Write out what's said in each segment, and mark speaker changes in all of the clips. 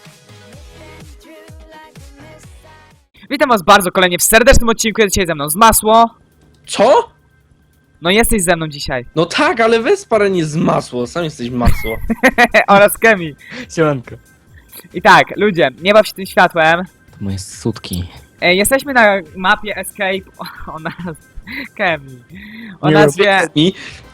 Speaker 1: Witam was bardzo kolejnie w serdecznym odcinku, jest dzisiaj ze mną z Masło.
Speaker 2: Co?
Speaker 1: No jesteś ze mną dzisiaj.
Speaker 2: No tak, ale weź parę nie z masło, sam jesteś masło.
Speaker 1: Oraz Kemi.
Speaker 3: Siemanko.
Speaker 1: I tak, ludzie, nie baw się tym światłem.
Speaker 3: To moje sutki.
Speaker 1: Jesteśmy na mapie Escape o nazwie Kemi. O nazwie...
Speaker 2: Mi?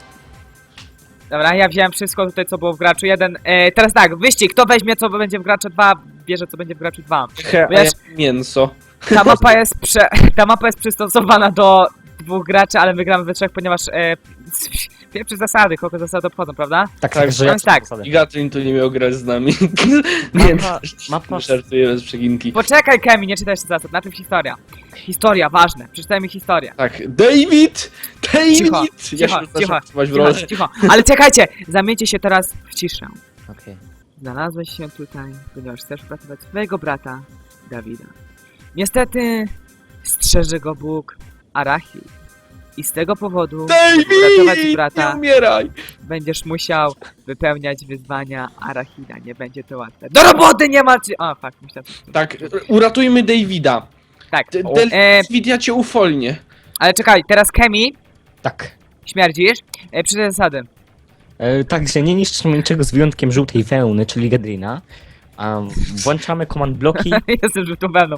Speaker 1: Dobra, ja wziąłem wszystko tutaj, co było w graczu 1. Teraz tak, wyścig, kto weźmie, co będzie w graczu 2, bierze, co będzie w graczu 2.
Speaker 2: A ja mięso.
Speaker 1: Ta mapa jest, ta mapa jest przystosowana do 2 graczy, ale my gramy we 3, ponieważ pierwsze zasady, kogo zasady obchodzą, prawda?
Speaker 3: Tak, że
Speaker 1: no jest tak.
Speaker 3: zasady.
Speaker 2: I Gatlin tu nie miał grać z nami. Nie,
Speaker 3: Mapa-
Speaker 2: żartuję bez przeginki.
Speaker 1: Poczekaj, Kemi, nie czytaj jeszcze zasad, najpierw historia. Historia, ważne, przeczytajmy historię.
Speaker 2: Tak, David! David!
Speaker 1: Cicho,
Speaker 2: Ja
Speaker 1: cicho,
Speaker 2: się
Speaker 1: cicho,
Speaker 2: zacząłem w rolę.
Speaker 1: cicho, ale czekajcie, zamieńcie się teraz w ciszę.
Speaker 3: Okej.
Speaker 1: Znalazłeś się tutaj, ponieważ chcesz uratować swojego brata, Dawida. Niestety, strzeże go Bóg, Arachil. I z tego powodu, żeby uratować
Speaker 2: David! Nie
Speaker 1: brata,
Speaker 2: umieraj!
Speaker 1: będziesz musiał wypełniać wyzwania Arachida. Nie będzie to łatwe. Do roboty nie ma czy... O, fuck, myślałem...
Speaker 2: Tak, uratujmy Davida.
Speaker 1: Tak,
Speaker 2: David, ja cię ufolnię.
Speaker 1: ale czekaj, teraz Kemi,
Speaker 3: Tak.
Speaker 1: śmierdzisz, przeczytaj zasady.
Speaker 3: Także nie niszczymy niczego z wyjątkiem żółtej wełny, czyli Gadrina. Włączamy command bloki.
Speaker 1: Jestem żółtą wełną.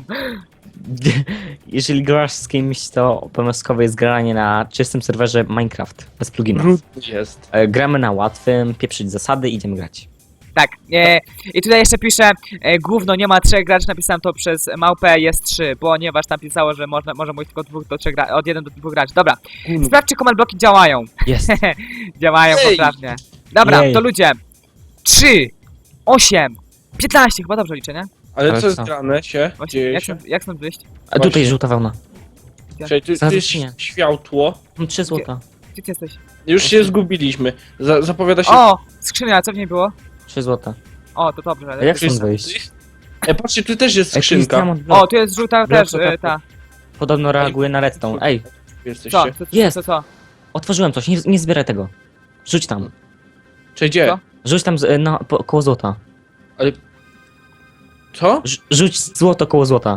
Speaker 3: Jeżeli grasz z kimś, to obowiązkowe jest granie na czystym serwerze Minecraft, bez pluginów.
Speaker 2: Brudny jest.
Speaker 3: Gramy na łatwym, pieprzyć zasady, idziemy grać.
Speaker 1: Tak, i tutaj jeszcze piszę, gówno nie ma 3 graczy, napisałem to przez małpę, jest 3, ponieważ tam pisało, że może mówić tylko 2 do 3 graczy, od 1 do 2 graczy. Dobra, sprawdź, czy command bloki działają.
Speaker 3: Jest.
Speaker 1: Działają
Speaker 2: Ej!
Speaker 1: poprawnie. Dobra,
Speaker 3: Jej.
Speaker 1: to ludzie, 3, 8, 15, chyba dobrze liczę, nie?
Speaker 2: Ale
Speaker 3: Ale
Speaker 2: co jest
Speaker 3: co?
Speaker 2: grane się?
Speaker 1: Właśnie,
Speaker 2: Dzieje
Speaker 1: jak
Speaker 2: się?
Speaker 1: stąd, jak stąd wyjść?
Speaker 3: A tutaj
Speaker 2: Właśnie.
Speaker 3: żółta wełna.
Speaker 2: Czekaj, tu
Speaker 3: Zaraz
Speaker 2: jest
Speaker 3: nie.
Speaker 2: światło.
Speaker 3: Mam 3 złota.
Speaker 1: Gdzie ty jesteś?
Speaker 2: Już się zgubiliśmy. Zapowiada się...
Speaker 1: O, skrzynia, co w niej było?
Speaker 3: 3 złota.
Speaker 1: O, to dobrze.
Speaker 3: A jak
Speaker 2: Tu jest-
Speaker 3: stąd wyjść?
Speaker 2: patrzcie, tu też jest
Speaker 3: Tu jest
Speaker 2: skrzynka.
Speaker 3: diamond block.
Speaker 1: O, tu jest żółta
Speaker 3: Blok
Speaker 1: też,
Speaker 3: to tak.
Speaker 1: ta.
Speaker 3: Podobno reaguje na redstone. Ej,
Speaker 2: Jesteście.
Speaker 1: Co?
Speaker 3: Jest.
Speaker 1: Co?
Speaker 3: otworzyłem coś, nie zbieraj tego. Rzuć tam.
Speaker 2: Czy gdzie?
Speaker 1: Co?
Speaker 3: Rzuć tam koło złota.
Speaker 2: Co?
Speaker 3: Rzuć złoto koło złota.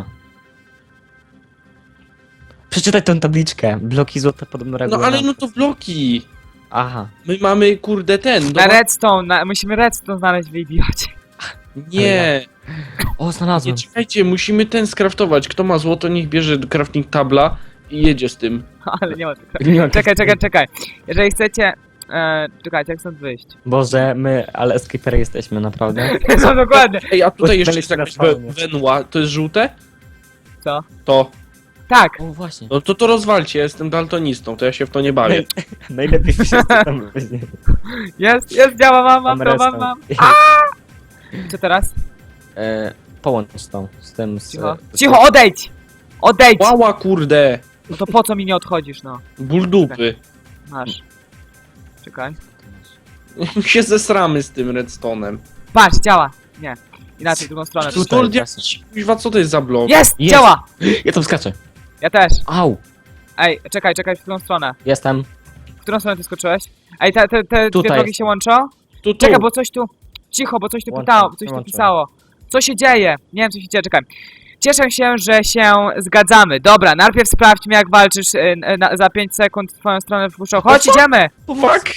Speaker 3: Przeczytaj tę tabliczkę. Bloki złota podobno
Speaker 2: No
Speaker 3: reagują
Speaker 2: ale
Speaker 3: na...
Speaker 2: no to bloki.
Speaker 3: Aha.
Speaker 2: My mamy kurde ten.
Speaker 1: Na redstone, musimy redstone znaleźć w idiocie.
Speaker 2: Nie.
Speaker 3: O,
Speaker 2: Nie,
Speaker 3: znalazłem.
Speaker 2: czekajcie, musimy ten skraftować. Kto ma złoto, niech bierze crafting tabla i jedzie z tym.
Speaker 1: Ale nie ma tego.
Speaker 3: Nie mam
Speaker 1: Czekaj. Jeżeli chcecie... czekajcie, jak stąd wyjść?
Speaker 3: Boże, ale escapery jesteśmy, naprawdę.
Speaker 1: No dokładnie.
Speaker 2: Ej, a tutaj jeszcze
Speaker 3: Znaleźć
Speaker 2: jest jakaś
Speaker 3: na spawnie.
Speaker 2: wenła. To jest żółte?
Speaker 1: Co?
Speaker 2: To.
Speaker 1: Tak.
Speaker 3: O, właśnie.
Speaker 2: No to rozwalcie, ja jestem daltonistą, to ja się w to nie bawię.
Speaker 3: Najlepiej wszyscy tam później.
Speaker 1: Jest, działa, mam to,
Speaker 3: redstone.
Speaker 1: mam. Co teraz?
Speaker 3: Połącz tą, z tym...
Speaker 1: Cicho, odejdź! Odejdź!
Speaker 2: Łała kurde!
Speaker 1: No to po co mi nie odchodzisz, no?
Speaker 2: Ból dupy.
Speaker 1: Masz. Czekaj.
Speaker 2: się zesramy z tym redstone'em.
Speaker 1: Patrz, działa. Nie. Inaczej, w drugą stronę.
Speaker 3: Tutaj.
Speaker 2: Kurde, kuźwa, co to jest za blok?
Speaker 1: Jest!
Speaker 3: Jest.
Speaker 1: Działa!
Speaker 3: Ja tam skaczę.
Speaker 1: Ja też.
Speaker 3: Au!
Speaker 1: Ej, czekaj, w którą stronę?
Speaker 3: Jestem.
Speaker 1: W którą stronę ty skoczyłeś? Ej, te dwie
Speaker 3: Tutaj
Speaker 1: drogi
Speaker 3: jest.
Speaker 1: się łączą?
Speaker 2: Tu.
Speaker 1: Czekaj, bo coś tu... Cicho, bo coś tu
Speaker 3: Łączę,
Speaker 1: pytało, coś tu
Speaker 3: łączę.
Speaker 1: pisało. Co się dzieje? Nie wiem, co się dzieje, czekaj. Cieszę się, że się zgadzamy. Dobra, najpierw sprawdźmy, jak walczysz za 5 sekund w twoją stronę wpuszczą. Chodź, idziemy!
Speaker 2: Fuck!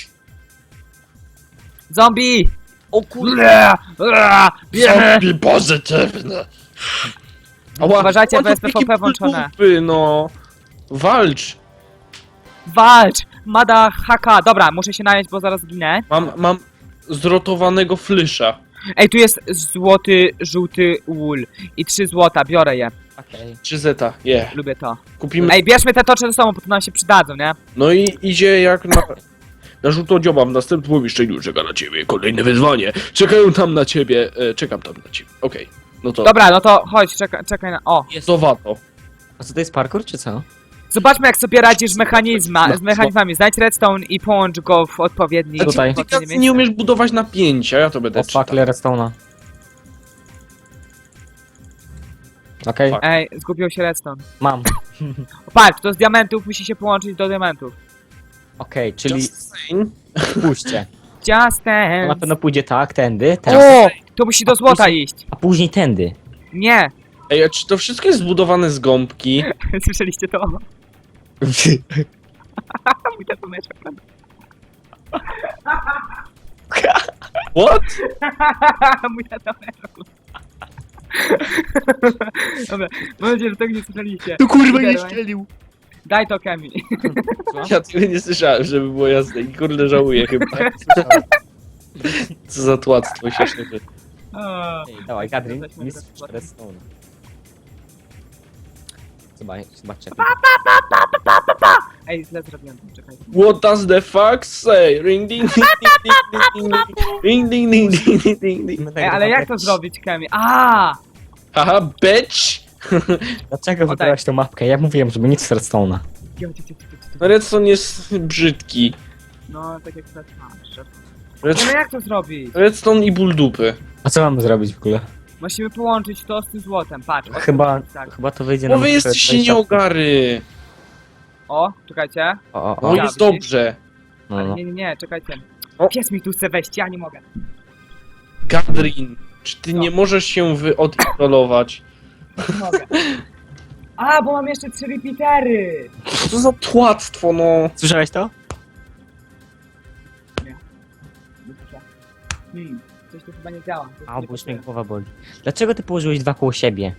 Speaker 1: Zombie!
Speaker 2: O kurde!
Speaker 1: Bierzemy!
Speaker 2: Zombie pozytywne! Ała,
Speaker 1: Uważajcie,
Speaker 2: ała,
Speaker 1: bo jest
Speaker 2: jakie
Speaker 1: PvP włączone.
Speaker 2: dupy, no. Walcz!
Speaker 1: Walcz! Mada haka! Dobra, muszę się najeść, bo zaraz ginę.
Speaker 2: Mam zrotowanego flysza.
Speaker 1: Ej, tu jest złoty, żółty wool. I 3 złota, biorę je.
Speaker 3: Okej.
Speaker 2: 3 zeta,
Speaker 1: Lubię to.
Speaker 2: Kupimy.
Speaker 1: Ej, bierzmy te tocze ze sobą, bo to nam się przydadzą, nie?
Speaker 2: No i idzie jak na żółto dzioba w następnym pomieszczeniu czeka na ciebie. Kolejne wyzwanie. Czekają tam na ciebie. Czekam tam na ciebie. Okej. No to.
Speaker 1: Dobra, no to chodź, czekaj na... O!
Speaker 2: Jest to wato.
Speaker 3: A co to jest parkour, czy co?
Speaker 1: Zobaczmy, jak sobie radzisz z mechanizmami. Znajdź redstone i połącz go w odpowiedni...
Speaker 2: A ty,
Speaker 3: Tutaj.
Speaker 1: w
Speaker 2: ty
Speaker 1: odpowiednie
Speaker 2: nie
Speaker 1: miejsce.
Speaker 2: umiesz budować napięcia, ja to będę
Speaker 3: O,
Speaker 2: czytał.
Speaker 3: fuck, ile redstone'a. Okej,
Speaker 2: Fuck.
Speaker 1: Ej, zgubił się redstone.
Speaker 3: mam.
Speaker 1: Patrz, to z diamentów musi się połączyć do diamentów.
Speaker 3: Okej, czyli
Speaker 2: Just saying.
Speaker 3: pójście.
Speaker 1: Just
Speaker 3: To na
Speaker 1: dance.
Speaker 3: pewno pójdzie tak, tędy, teraz.
Speaker 1: O! To musi do złota iść.
Speaker 3: A później tędy.
Speaker 1: Nie.
Speaker 2: Ej, a czy to wszystko jest zbudowane z gąbki?
Speaker 1: Słyszeliście to? Mój tatomeczek, prawda?
Speaker 2: What?
Speaker 1: Mój tatomeczek. Dobra, mam nadzieję, że tego nie słyszeliście.
Speaker 2: To kurwa
Speaker 1: nie
Speaker 2: ścielił.
Speaker 1: Daj to Kemi.
Speaker 2: Ja tego nie słyszałem, żeby było jasne i kurde żałuję chyba. Co za tłactwo się szczerze.
Speaker 3: Ej, dawaj, Gadrin,
Speaker 1: Jesteśmy
Speaker 3: mistrz
Speaker 1: teraz-
Speaker 3: redstone. Zobaczcie.
Speaker 1: Ej, źle zrobiłem, czekaj.
Speaker 2: What does the fuck say? Ring ding ding ding ding ding ding ding ding ding ding.
Speaker 1: Ej, ale jak to zrobić, Kemi? A!
Speaker 2: Haha, bitch!
Speaker 3: Dlaczego wybrałeś tą mapkę? Ja mówiłem, żeby nic z redstone'a.
Speaker 2: No Redstone jest brzydki.
Speaker 1: No, tak jak teraz masz.
Speaker 2: Red-
Speaker 1: No jak to zrobić?
Speaker 2: Redstone i ból dupy.
Speaker 3: A co mamy zrobić w ogóle?
Speaker 1: Musimy połączyć to z tym złotem, patrz. o, tak.
Speaker 3: Chyba to wyjdzie
Speaker 2: Bo
Speaker 3: nam...
Speaker 2: wy jesteście nieogary.
Speaker 1: O, czekajcie.
Speaker 3: O,
Speaker 2: No
Speaker 3: o.
Speaker 2: jest dobrze.
Speaker 3: No,
Speaker 1: Ale
Speaker 3: no.
Speaker 1: nie, czekajcie.
Speaker 2: O.
Speaker 1: Pies mi tu chce wejść, ja nie mogę.
Speaker 2: Gadrin, czy ty
Speaker 1: No.
Speaker 2: nie możesz się odinstallować?
Speaker 1: Nie mogę. A, bo mam jeszcze 3 repeatery!
Speaker 2: Co za tłactwo, no.
Speaker 3: Słyszałeś to?
Speaker 1: Coś tu chyba nie działa. Coś tu
Speaker 3: A,
Speaker 1: nie
Speaker 3: bo już mnie
Speaker 1: pasuje.
Speaker 3: głowa boli. Dlaczego ty położyłeś dwa koło siebie?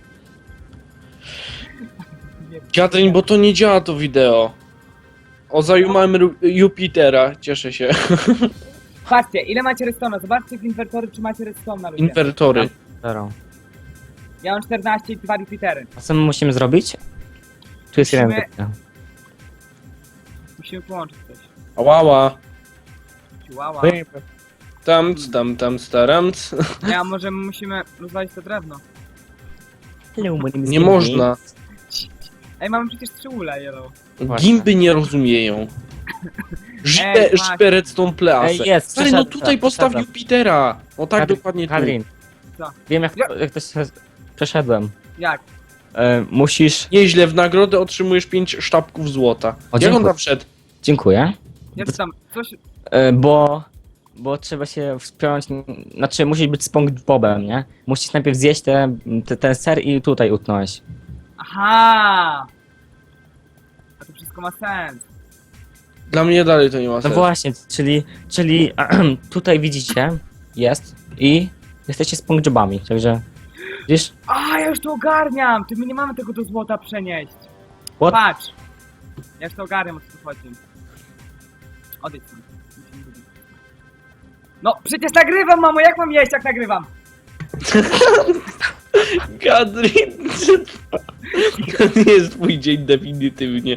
Speaker 1: Nie wiem.
Speaker 2: Gadrin, bo to nie działa to wideo. O, zajumałem Jupitera, cieszę się.
Speaker 1: Patrzcie, ile macie redstone'a? Zobaczcie w inwertory, czy macie redstone'a, ludzie.
Speaker 2: Inwertory.
Speaker 3: Zero.
Speaker 1: Ja mam 14 i 2 repeatery.
Speaker 3: A co my musimy zrobić? Tu jest jeden
Speaker 1: Musimy-
Speaker 3: repeater.
Speaker 1: Musimy połączyć coś.
Speaker 2: Ałała.
Speaker 1: Chihuahua.
Speaker 2: Tam, staramc.
Speaker 1: Nie, a może musimy rozwalić to drewno.
Speaker 3: Hello, my name is
Speaker 2: Nie
Speaker 3: Jimmy.
Speaker 2: można.
Speaker 1: Ej, mamy przecież 3 ule, yellow.
Speaker 3: Właśnie.
Speaker 2: Gimby nie rozumieją.
Speaker 1: Ej, właśnie.
Speaker 2: Żywe redstone
Speaker 3: Ej,
Speaker 2: please.
Speaker 3: jest,
Speaker 2: Stary, no
Speaker 3: przeszedłem,
Speaker 2: tutaj postaw
Speaker 3: przeszedłem.
Speaker 2: Jupitera. O tak
Speaker 3: Kadrin,
Speaker 2: dokładnie tu.
Speaker 3: Kadrin.
Speaker 1: Co?
Speaker 3: Wiem jak,
Speaker 1: Ja-
Speaker 3: jak to się... Przeszedłem.
Speaker 1: Jak?
Speaker 3: Musisz...
Speaker 2: Nieźle, w nagrodę otrzymujesz 5 sztabków złota.
Speaker 3: O,
Speaker 2: Jak on
Speaker 3: dziękuję.
Speaker 2: tam wszedł?
Speaker 3: Dziękuję.
Speaker 1: Ja tam coś...
Speaker 3: Bo trzeba się wspiąć, znaczy musisz być SpongeBobem, nie? Musisz najpierw zjeść ten ser i tutaj utknąłeś.
Speaker 1: Aha! A to wszystko ma sens.
Speaker 2: Dla mnie dalej to nie ma
Speaker 3: No
Speaker 2: sensu.
Speaker 3: właśnie, czyli tutaj widzicie, jest i jesteście SpongeBobami, także widzisz?
Speaker 1: A, ja już to ogarniam! Ty, my nie mamy tego do złota przenieść.
Speaker 3: What?
Speaker 1: Patrz! Ja już to ogarniam, o co tu chodzi. Odejdź stąd. Nic nie lubię. No, przecież nagrywam, mamo! Jak mam jeść, jak nagrywam?
Speaker 2: Kadrin, to nie jest twój dzień definitywnie.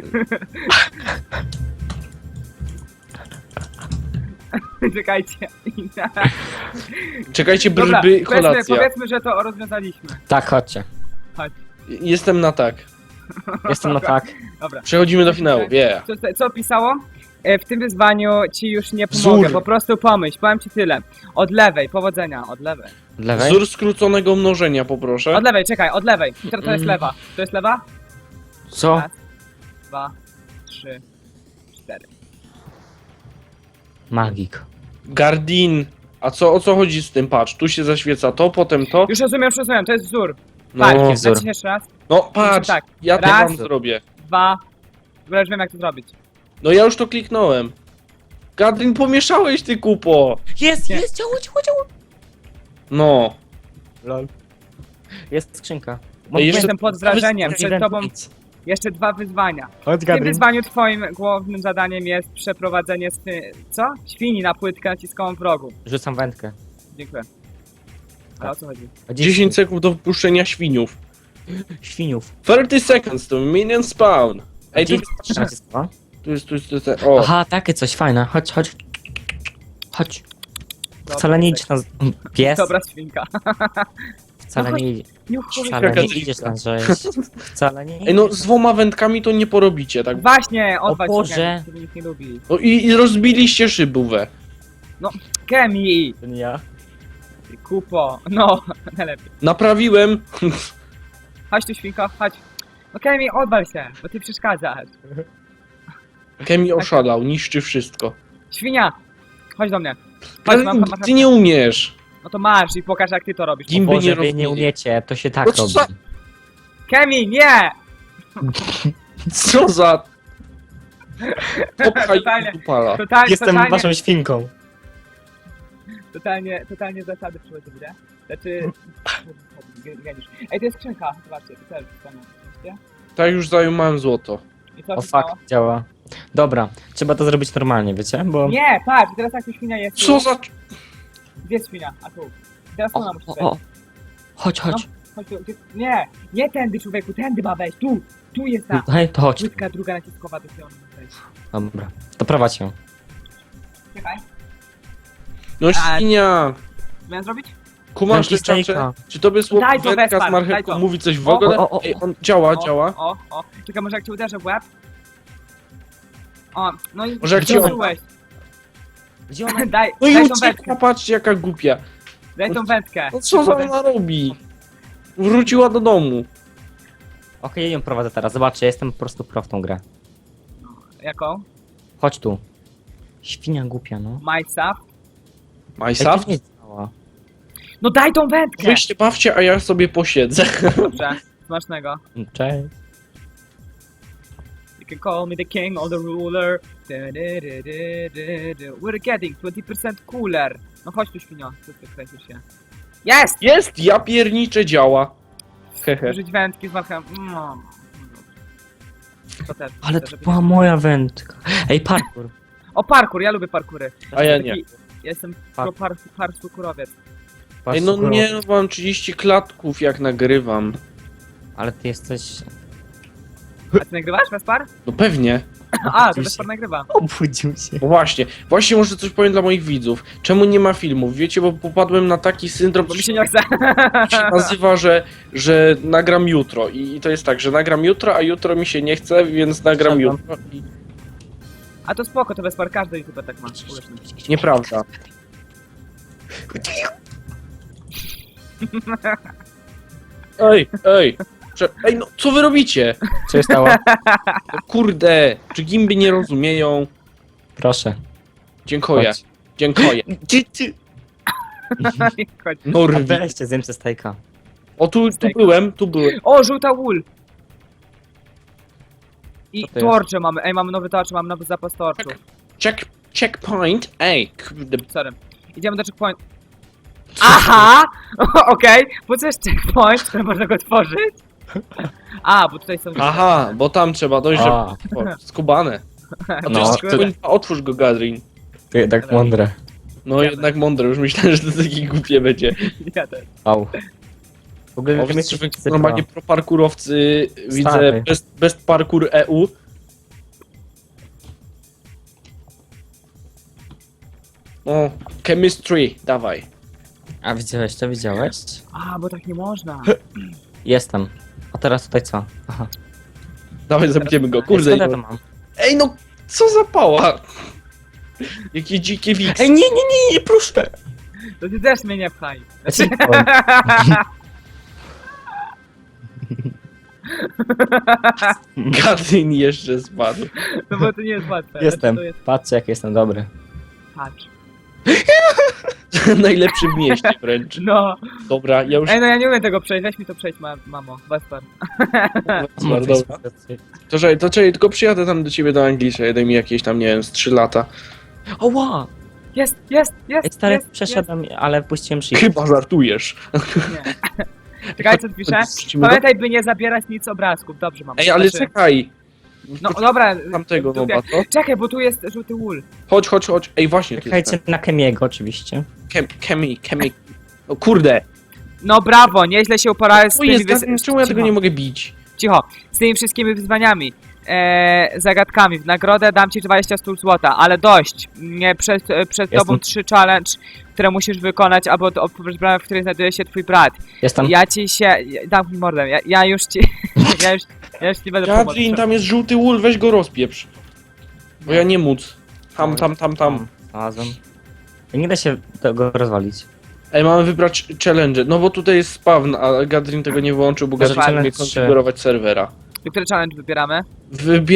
Speaker 1: Czekajcie.
Speaker 2: Czekajcie,
Speaker 1: Dobra,
Speaker 2: brby, kolacja.
Speaker 1: powiedzmy, że to rozwiązaliśmy.
Speaker 3: Tak, chodźcie.
Speaker 2: Jestem na tak.
Speaker 3: Jestem na tak.
Speaker 1: Dobra.
Speaker 2: Przechodzimy do finału, yeah.
Speaker 1: Co pisało? W tym wyzwaniu ci już nie pomogę,
Speaker 2: Wzór.
Speaker 1: po prostu pomyśl, powiem ci tyle. Od lewej, powodzenia, od lewej.
Speaker 3: Od lewej?
Speaker 2: Wzór skróconego mnożenia poproszę.
Speaker 1: Od lewej, czekaj, od lewej. To jest lewa. To jest lewa?
Speaker 3: Co?
Speaker 1: Raz, 2, 3, 4.
Speaker 3: Magik.
Speaker 2: Gardin. A o co chodzi z tym? Patrz, tu się zaświeca to, potem to.
Speaker 1: Już rozumiem, to jest wzór.
Speaker 2: No,
Speaker 1: Patrz,
Speaker 3: wzór.
Speaker 1: naciśnij jeszcze raz.
Speaker 2: no patrz,
Speaker 1: tak.
Speaker 2: ja to
Speaker 1: Raz.
Speaker 2: wam zrobię.
Speaker 1: 2. W ogóle już wiem jak to zrobić.
Speaker 2: No ja już to kliknąłem. Gardin, pomieszałeś ty kupo.
Speaker 3: Jest,
Speaker 1: Nie.
Speaker 3: jest, działo.
Speaker 2: No.
Speaker 3: Lol. Jest skrzynka.
Speaker 2: jeszcze-
Speaker 1: Jestem pod wrażeniem,
Speaker 2: Event
Speaker 1: przed tobą jeszcze 2 wyzwania.
Speaker 3: Chodź,
Speaker 1: W tym wyzwaniu twoim głównym zadaniem jest przeprowadzenie co? Świni na płytkę naciskową w rogu.
Speaker 3: Rzucam wędkę.
Speaker 1: Dziękuję. Ale o co chodzi?
Speaker 2: 10 sekund do wpuszczenia świniów.
Speaker 3: Świniów.
Speaker 2: 30 seconds to minion spawn. Ej, tu jest. O,
Speaker 3: Aha, takie coś fajne. Chodź. Chodź. Wcale nie idziesz na... Pies?
Speaker 1: Dobra świnka.
Speaker 3: Wcale
Speaker 1: No
Speaker 3: nie idzie. Wcale
Speaker 2: Jaka
Speaker 3: nie
Speaker 2: dziwka.
Speaker 3: idziesz na rzeź. Wcale nie
Speaker 2: Ej, no
Speaker 3: idziesz
Speaker 2: z 2 wędkami to nie porobicie, tak?
Speaker 1: Właśnie, odwal
Speaker 3: O Boże.
Speaker 1: się Kemi, który nikt nie lubi.
Speaker 2: No i rozbiliście szybówę.
Speaker 1: Kemi!
Speaker 3: To nie ja.
Speaker 1: Ty kupo. No, najlepiej.
Speaker 2: Naprawiłem.
Speaker 1: Chodź tu świnko, chodź. No Kemi, odwal się, bo ty przeszkadzasz.
Speaker 2: Kemi oszalał, niszczy wszystko.
Speaker 1: Świnia! Chodź do mnie. Chodź,
Speaker 2: Ale
Speaker 1: mam
Speaker 2: ty nie umiesz.
Speaker 1: No to masz i pokaż jak ty to robisz.
Speaker 2: Gimby
Speaker 3: Boże,
Speaker 2: nie
Speaker 3: wy nie
Speaker 2: rozumieli.
Speaker 3: umiecie, to się tak
Speaker 2: No co
Speaker 3: robi.
Speaker 2: za-
Speaker 1: Kemi, nie!
Speaker 2: Co za... Popchaj
Speaker 1: Totalnie.
Speaker 2: dupala.
Speaker 1: Totalnie,
Speaker 3: świnką.
Speaker 1: totalnie zasady przychodzą, nie? Znaczy... geniusz. Ej, to jest skrzynka, zobaczcie, to też jest widzicie?
Speaker 2: Tak już zajmowałem złoto.
Speaker 1: I co
Speaker 3: O
Speaker 1: się
Speaker 3: fuck,
Speaker 1: stało?
Speaker 3: działa. Dobra, trzeba to zrobić normalnie, wiecie? Bo...
Speaker 1: Nie, patrz, teraz jak tu świnia jest.
Speaker 2: Co
Speaker 1: tu.
Speaker 2: za...
Speaker 1: Gdzie jest świnia? A tu. Teraz tu ona musi wejść.
Speaker 3: Chodź, chodź.
Speaker 1: Chodź tu. Nie, nie tędy człowieku, tędy ma wejść, tu. Tu jest ta.
Speaker 3: Tutaj, to chodź.
Speaker 1: Łydka druga naciskowa, to się ona ma wejść.
Speaker 3: Dobra, to prowadź ją.
Speaker 1: Czekaj,
Speaker 2: No świnia!
Speaker 1: miałem zrobić?
Speaker 2: Kumasz
Speaker 3: Jaki
Speaker 2: leczarze?
Speaker 3: stejka?
Speaker 2: Czy tobie
Speaker 1: Daj
Speaker 2: słodka
Speaker 1: to,
Speaker 2: wędka
Speaker 1: Wespar,
Speaker 2: z
Speaker 1: daj
Speaker 2: marchewką
Speaker 1: to.
Speaker 2: mówi coś w
Speaker 1: O,
Speaker 2: ogóle?
Speaker 3: o, o,
Speaker 2: Ej, on działa,
Speaker 1: O,
Speaker 2: działa.
Speaker 1: O. Czekaj, może jak cię uderzę w łeb? O, no i...
Speaker 2: Może jak
Speaker 3: cię-
Speaker 1: zepsułeś.
Speaker 3: Gdzie ona?
Speaker 1: Daj,
Speaker 2: No i
Speaker 1: daj tą
Speaker 2: ucieka,
Speaker 1: wędkę,
Speaker 2: patrzcie jaka głupia.
Speaker 1: daj tą wędkę.
Speaker 2: No co za ona robi? Wróciła do domu.
Speaker 3: Okej, ja ją prowadzę teraz. Zobaczcie, jestem po prostu pro w tą grę.
Speaker 1: Jaką?
Speaker 3: Chodź tu. Świnia głupia, no.
Speaker 1: Majsa.
Speaker 2: Majsa?
Speaker 3: Ej, to nie działa.
Speaker 1: No daj tą wędkę!
Speaker 2: Wyjście bawcie, a ja sobie posiedzę.
Speaker 1: Dobrze, smacznego.
Speaker 3: Cześć.
Speaker 1: You can call me the king or the ruler. We're getting 20% cooler. No chodź tu świnio, co ty kręcisz się? Jest!
Speaker 2: Jest, ja pierniczę, działa. Hehe.
Speaker 1: Użyć wędki z marchem. No. To też.
Speaker 3: Ale
Speaker 1: chcę,
Speaker 3: to
Speaker 1: żeby-
Speaker 3: była moja wędka. Ej, parkour.
Speaker 1: O parkour, ja lubię parkury.
Speaker 2: A ja nie.
Speaker 1: Ja jestem parkurowiec.
Speaker 2: Ej, no nie, no mam 30 klatków jak nagrywam.
Speaker 3: Ale ty jesteś...
Speaker 1: A ty nagrywasz, Wespar?
Speaker 2: No pewnie.
Speaker 1: A, to Wespar nagrywa.
Speaker 3: Obudził się.
Speaker 2: No właśnie może coś powiem dla moich widzów. Czemu nie ma filmów? Wiecie, bo popadłem na taki syndrom,
Speaker 1: Bo mi
Speaker 2: co
Speaker 1: się nie chce.
Speaker 2: się nazywa, że nagram jutro. I to jest tak, że nagram jutro, a jutro mi się nie chce, więc nagram
Speaker 3: Siadam.
Speaker 2: jutro. I...
Speaker 1: A to spoko, to Wespar każdy youtuber tak ma. Uwierz mi.
Speaker 2: Nieprawda. Ej! Ej, no co wy robicie?
Speaker 3: Co się stało?
Speaker 2: No, kurde, czy gimby nie rozumieją?
Speaker 3: Proszę.
Speaker 2: Dziękuję.
Speaker 3: Chodź.
Speaker 2: Dziękuję.
Speaker 1: Chodź.
Speaker 3: A
Speaker 2: Norwi.
Speaker 3: weźcie, zjem ze stejka.
Speaker 2: O, tu byłem.
Speaker 1: O, żółta wool! I
Speaker 3: Co to jest?
Speaker 1: torcze mamy. Ej, mamy nowy torcze, mamy nowy zapas torczów.
Speaker 2: Checkpoint. Ej, kurde.
Speaker 1: Sorry. Idziemy do checkpoint. Aha! Okej, po co jest checkpoint, który można go tworzyć? A, bo tutaj są...
Speaker 2: Aha, bo tam trzeba dojść, żeby...
Speaker 3: A.
Speaker 2: O, skubane. A to
Speaker 3: No,
Speaker 2: jest
Speaker 3: to-
Speaker 2: checkpoint, otwórz go, Gadrin.
Speaker 3: Ty jednak mądre.
Speaker 2: No jednak mądre, już myślałem, że to takie głupie będzie.
Speaker 1: Ja też.
Speaker 3: Au. W ogóle
Speaker 2: O,
Speaker 3: wy
Speaker 2: wiecie,
Speaker 3: jesteście
Speaker 2: wy normalnie pro parkurowcy, widzę
Speaker 3: Stary.
Speaker 2: best parkour EU. O, chemistry, dawaj.
Speaker 3: A widziałeś to, widziałeś?
Speaker 1: A, bo tak nie można.
Speaker 3: Jestem. A teraz tutaj co? Aha.
Speaker 2: Dawaj, zabijemy go, kurde.
Speaker 3: Skąd ja to mam?
Speaker 2: Ej, no, co za pała? Jakie dzikie wiks.
Speaker 3: Ej, nie, proszę!
Speaker 1: To ty też mnie nie pchaj.
Speaker 3: Ja ci powiem.
Speaker 2: Gadrin jeszcze spadł.
Speaker 1: No bo to nie jest łatwe.
Speaker 3: Jestem.
Speaker 1: To jest...
Speaker 3: Patrzcie, jak jestem dobry.
Speaker 1: Patrz.
Speaker 2: Najlepszy w mieście wręcz.
Speaker 1: No.
Speaker 2: Dobra, ja już...
Speaker 1: Ej, no ja nie umiem tego przejść. Weź mi to przejść, mamo. Wespar.
Speaker 2: Dobra. To czekaj, tylko przyjadę tam do ciebie do Anglii, daj mi jakieś tam, nie wiem, z 3 lata.
Speaker 3: Oła!
Speaker 1: Jest.
Speaker 3: Ej, stary,
Speaker 1: jest,
Speaker 3: przeszedłem, ale puściłem shift.
Speaker 2: Chyba żartujesz.
Speaker 1: Jest. Nie. Czekaj, co tu pisze?
Speaker 2: Wrócimy do-
Speaker 1: Pamiętaj, by nie zabierać nic obrazków. Dobrze, mamo.
Speaker 2: Ej, ale
Speaker 1: Znaczy-
Speaker 2: czekaj.
Speaker 1: No dobra.
Speaker 2: Tamtego
Speaker 1: tu-
Speaker 2: nowa, co?
Speaker 1: Czekaj, bo tu jest żółty wool.
Speaker 2: Chodź. Ej, właśnie, tu jest
Speaker 3: Czekajcie na Kemiego oczywiście.
Speaker 2: Chemi. O kurde.
Speaker 1: No brawo, nieźle się uporałeś z
Speaker 2: Co
Speaker 1: tymi
Speaker 2: jest, czemu ja tego nie mogę bić?
Speaker 1: Cicho, z tymi wszystkimi wyzwaniami, zagadkami. W nagrodę dam ci 20 stóp złota, ale dość. Nie, przed tobą 3 challenge, które musisz wykonać, albo odpowiedź bramy, w której znajduje się twój brat.
Speaker 3: Jestem.
Speaker 1: Ja ci się... Dam mi mordę, ja już ci... ja już ci będę
Speaker 2: Gadrin,
Speaker 1: pomóc.
Speaker 2: tam jest żółty wool, weź go rozpieprz. Bo ja nie móc. Tam.
Speaker 3: Znalazłem. Nie da się tego rozwalić.
Speaker 2: Ej, mamy wybrać challenge. No bo tutaj jest spawn, a Gadrin tego nie wyłączył, bo Gadrin
Speaker 1: Challenge
Speaker 2: chce
Speaker 3: trzy.
Speaker 2: konfigurować serwera.
Speaker 1: Który challenge wybieramy?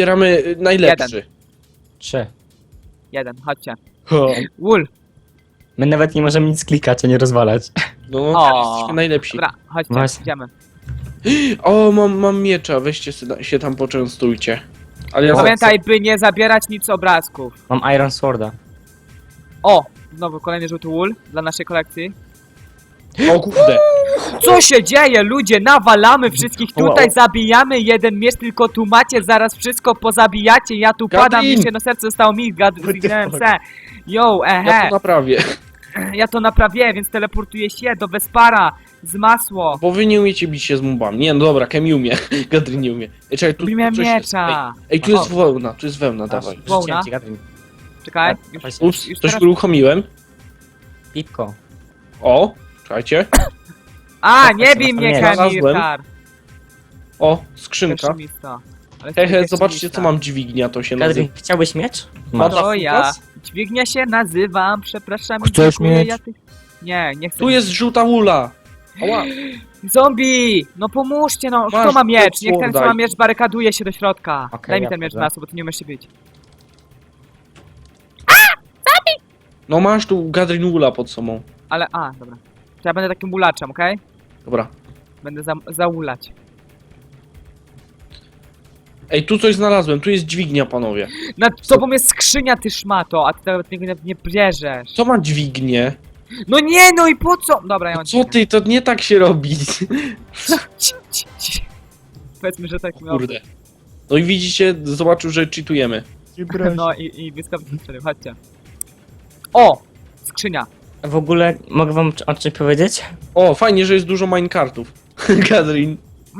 Speaker 2: Wybieramy najlepszy.
Speaker 3: 3.
Speaker 1: Jeden, chodźcie.
Speaker 2: Ho.
Speaker 1: Wool.
Speaker 3: My nawet nie możemy nic klikać, a nie rozwalać.
Speaker 2: No,
Speaker 1: O.
Speaker 2: jesteśmy najlepsi.
Speaker 1: Dobra, chodźcie,
Speaker 3: Właśnie.
Speaker 1: idziemy.
Speaker 2: O, mam miecza, weźcie się tam poczęstujcie. Ale ja
Speaker 1: Pamiętaj, by nie zabierać nic z obrazków.
Speaker 3: Mam Iron Sworda.
Speaker 1: O! Znowu kolejny żółty wool dla naszej kolekcji.
Speaker 2: O kurde.
Speaker 1: Co się dzieje, ludzie? Nawalamy wszystkich tutaj,
Speaker 3: Wow.
Speaker 1: zabijamy jeden miecz, tylko tu macie, zaraz wszystko pozabijacie, ja tu
Speaker 2: Gadrin!
Speaker 1: padam, mi się na serce zostało mi, zginąłem se. Yo,
Speaker 2: Ja
Speaker 1: ehe,
Speaker 2: to naprawię.
Speaker 1: ja to naprawię, więc teleportuję się do Vespara z masło.
Speaker 2: Bo wy nie umiecie bić się z mobami. Nie, no dobra, Kemi umie. Gadrin nie umie. Ej, czekaj, tu
Speaker 1: Lubiłem
Speaker 2: coś jest.
Speaker 1: miecza.
Speaker 2: Ej, tu
Speaker 1: O,
Speaker 2: jest wełna, tu jest wełna, dawaj.
Speaker 1: Wołna?
Speaker 3: Rzuciłem ci, Gadrin.
Speaker 1: Czekaj,
Speaker 3: Tak,
Speaker 1: już,
Speaker 3: właśnie.
Speaker 2: Ups,
Speaker 1: już
Speaker 2: coś
Speaker 1: teraz...
Speaker 2: uruchomiłem.
Speaker 3: Pipko.
Speaker 2: O, czekajcie.
Speaker 1: A, nie bij mnie,
Speaker 3: Nie,
Speaker 2: znalazłem.
Speaker 1: Kamilkar.
Speaker 2: O, skrzynka.
Speaker 1: Pesymista. Ale
Speaker 2: Hehe,
Speaker 1: pesymista.
Speaker 2: zobaczcie co mam dźwignia, to się nazywa.
Speaker 3: Gadrin, chciałbyś miecz?
Speaker 2: Masz.
Speaker 3: Masz.
Speaker 1: To ja. Dźwignia się nazywam, przepraszam.
Speaker 3: Chcesz
Speaker 1: dziękuję,
Speaker 3: mieć?
Speaker 1: ja ty... Nie, nie chcę.
Speaker 2: Tu jest żółta ula. Ała.
Speaker 1: Zombie! No pomóżcie, no. Kto
Speaker 2: Masz
Speaker 1: ma miecz?
Speaker 2: tu
Speaker 1: Niech ten, co
Speaker 2: słowa.
Speaker 1: ma miecz, barykaduje się do środka.
Speaker 3: Okej,
Speaker 1: Daj mi
Speaker 3: ja
Speaker 1: ten miecz
Speaker 3: wchodzę.
Speaker 1: na bo ty nie umiesz się bić.
Speaker 2: No masz tu Gadrin ula pod sobą.
Speaker 1: Ale, dobra. To ja będę takim ulaczem, okej?
Speaker 2: Dobra.
Speaker 1: Będę zaulać.
Speaker 2: Ej, tu coś znalazłem, tu jest dźwignia, panowie.
Speaker 1: Nad tobą jest skrzynia, ty szmato, a ty nawet tego nie bierzesz.
Speaker 2: Co ma dźwignię?
Speaker 1: No nie, no i po co? Dobra, ja mam
Speaker 2: Co ty, to nie tak się robi.
Speaker 1: Ci. Powiedzmy, że tak miał.
Speaker 2: Kurde. No i widzicie, zobaczył, że cheatujemy.
Speaker 1: No i błyskawicznie strzelił, chodźcie. O! Skrzynia.
Speaker 3: W ogóle mogę wam o czymś powiedzieć?
Speaker 2: O, fajnie, że jest dużo minecartów. Gadrin,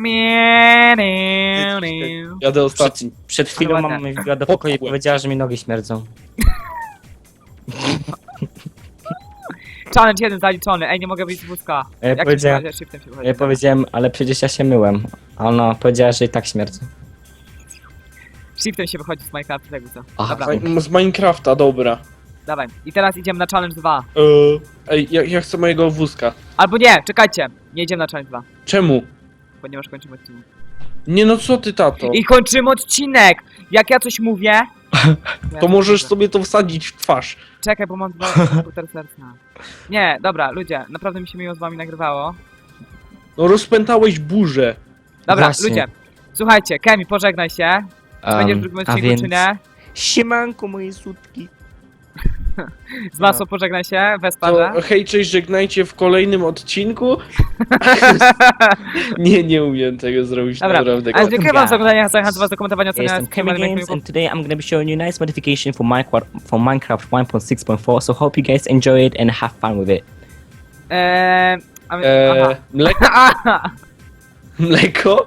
Speaker 2: jadę ostatni.
Speaker 3: Przed chwilą
Speaker 1: Ładne.
Speaker 3: mama mi wbiła do pokoju i
Speaker 2: Popchłem.
Speaker 3: powiedziała, że mi nogi śmierdzą.
Speaker 1: Challenge 1 zaliczony, ej, nie mogę wyjść z wózka.
Speaker 3: Ja
Speaker 1: Jak
Speaker 3: powiedziałem-
Speaker 1: się shiftem się wychodzi?
Speaker 3: Ja powiedziałem, ale przecież ja się myłem. A ona powiedziała, że i tak śmierdzą.
Speaker 1: Shiftem się wychodzi z Minecrafta, jakby co.
Speaker 3: Aha.
Speaker 1: Dobra,
Speaker 2: Z Minecrafta, dobra.
Speaker 1: dawaj. I teraz idziemy na challenge 2.
Speaker 2: Ej, ja chcę mojego wózka.
Speaker 1: Albo nie, czekajcie. Nie idziemy na challenge 2,
Speaker 2: Czemu?
Speaker 1: ponieważ kończymy odcinek.
Speaker 2: Nie no, co ty, tato?
Speaker 1: I kończymy odcinek! Jak ja coś mówię...
Speaker 2: To możesz sobie to wsadzić w twarz.
Speaker 1: Czekaj, bo mam dwa komputer serca. Nie, dobra, ludzie, naprawdę mi się miło z wami nagrywało.
Speaker 2: No rozpętałeś burzę.
Speaker 1: Dobra,
Speaker 3: Właśnie.
Speaker 1: ludzie, słuchajcie, Kemi, pożegnaj się. Czy będziesz w drugim
Speaker 3: a
Speaker 1: odcinku,
Speaker 3: więc...
Speaker 1: czy nie?
Speaker 3: Siemanko moje sutki.
Speaker 1: Z masą pożegnaj się, Wesparze.
Speaker 2: To hej, cześć, żegnajcie w kolejnym odcinku. Nie umiem tego zrobić
Speaker 1: Dobra,
Speaker 2: naprawdę.
Speaker 1: ale dziękuję wam za
Speaker 3: guys.
Speaker 1: oglądanie, zachęcam was do komentowania,
Speaker 3: Ja
Speaker 1: oceniania,
Speaker 3: jestem Kemi
Speaker 1: subskrybowania,
Speaker 3: Games
Speaker 1: lajkowania.
Speaker 3: and today I'm gonna be showing you a nice modification for Minecraft 1.6.4, so hope you guys enjoy it and have fun with it.
Speaker 1: Aha.
Speaker 2: Mleko? Mleko?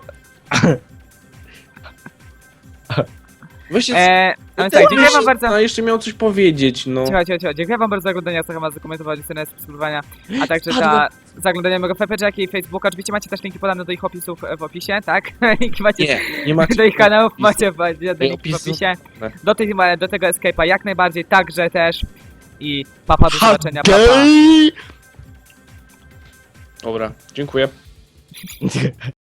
Speaker 2: Weźcie...
Speaker 1: A więc tak, dziękuję wam bardzo.
Speaker 2: A jeszcze miał coś powiedzieć, no.
Speaker 1: Cicho. Dziękuję wam bardzo za oglądanie, zachęcam was do komentowania, oceniania, subskrybowania, a także za oglądanie mojego fanpage'a, jak i Facebooka. Oczywiście macie też linki podane do ich opisów w opisie, tak? Linki macie
Speaker 2: Nie macie.
Speaker 1: do ich kanałów, macie linki w
Speaker 2: opisu.
Speaker 1: opisie.
Speaker 2: Tak.
Speaker 1: Do tego Escape'a jak najbardziej, także też. I papa, do zobaczenia, papa.
Speaker 2: Hej! Dobra, dziękuję.